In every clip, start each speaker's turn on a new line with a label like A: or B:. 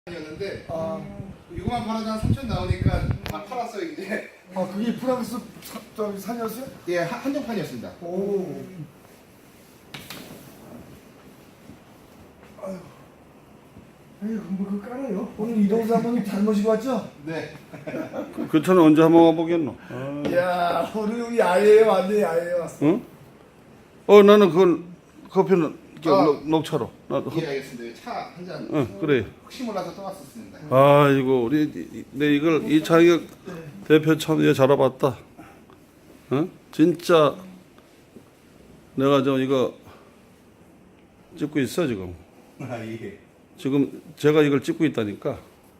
A: 였는데 이거만 팔아도 한 3천 나오니까 다 팔았어요 이제.
B: 아 그게 프랑스 산이었어요?
A: 예, 한정판이었습니다.
B: 오. 아유. 에이 뭐 그거 깔아요. 오늘 이동수 한번 잘 모시고 왔죠?
A: 네.
C: 그 차는 언제 한번 와보겠노?
B: 이야 오늘 여기 야외에 왔네 야외에 왔어.
C: 응? 나는 그건 커피는 녹차로. 나도.
A: 예, 알겠습니다. 차 한 잔.
C: 응, 그래.
A: 혹시 몰라서 떠왔었습니다.
C: 아이고 우리 내 이걸 이창혁 대표 참 얘 잘해봤다. 어? 진짜 내가 저 이거 찍고 있어 지금.
A: 아 예.
C: 지금 제가 이걸 찍고 있다니까.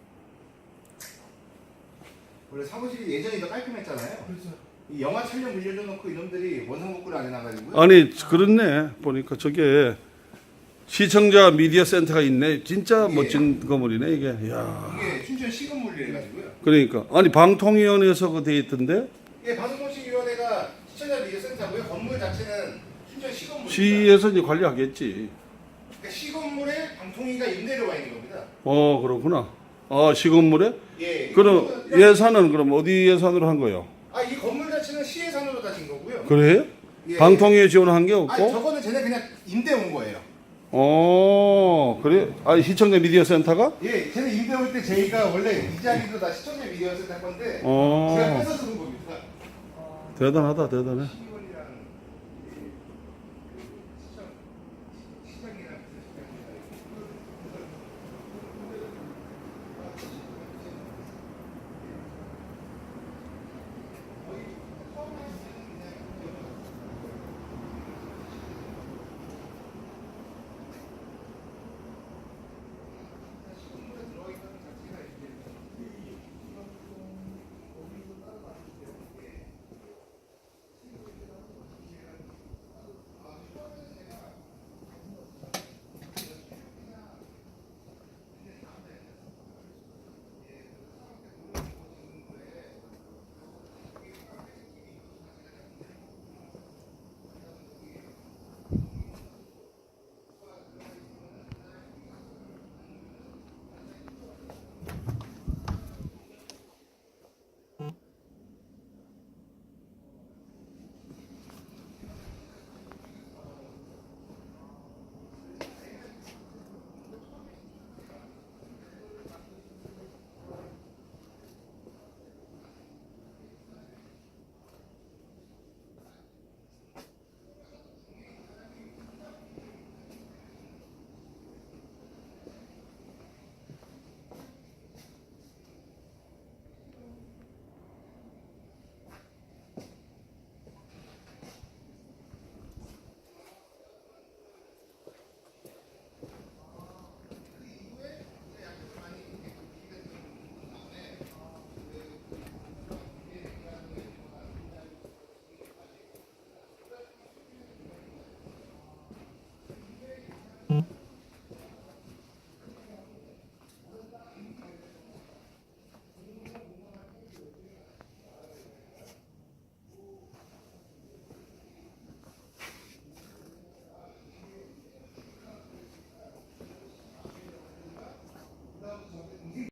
A: 원래 사무실이 예전이 더 깔끔했잖아요.
B: 그렇죠.
A: 이 영화 촬영 물려줘 놓고 이놈들이 원상복구를 안 해놔가지고요.
C: 아니 그렇네 보니까 저게 시청자 미디어 센터가 있네. 진짜
A: 예.
C: 멋진 건물이네 이게. 야.
A: 이게 춘천 시건물이래가지고요.
C: 그러니까 아니 방통위원회에서 그 돼 있던데
A: 예, 방송통신위원회가 시청자 미디어 센터고요. 건물 자체는 춘천 시건물입니다.
C: 시에서 이제 관리하겠지.
A: 그러니까 시건물에 방통위가 임대료 와 있는 겁니다.
C: 그렇구나. 아 시건물에?
A: 예.
C: 그럼 예산은 그럼 어디 예산으로 한 거예요?
A: 이 건물 자체는 시 예산으로 다진 거고요.
C: 그래?
A: 예.
C: 방통위에 지원한 게 없고?
A: 저거는 쟤네 그냥 임대 온 거예요.
C: 그래? 시청자 미디어 센터가?
A: 예, 쟤네 임대 올 때 저희가 원래 이 자리도 다 시청자 미디어에서 할 건데 제가
C: 어,
A: 뺏어서 준 겁니다.
C: 대단하다, 대단해.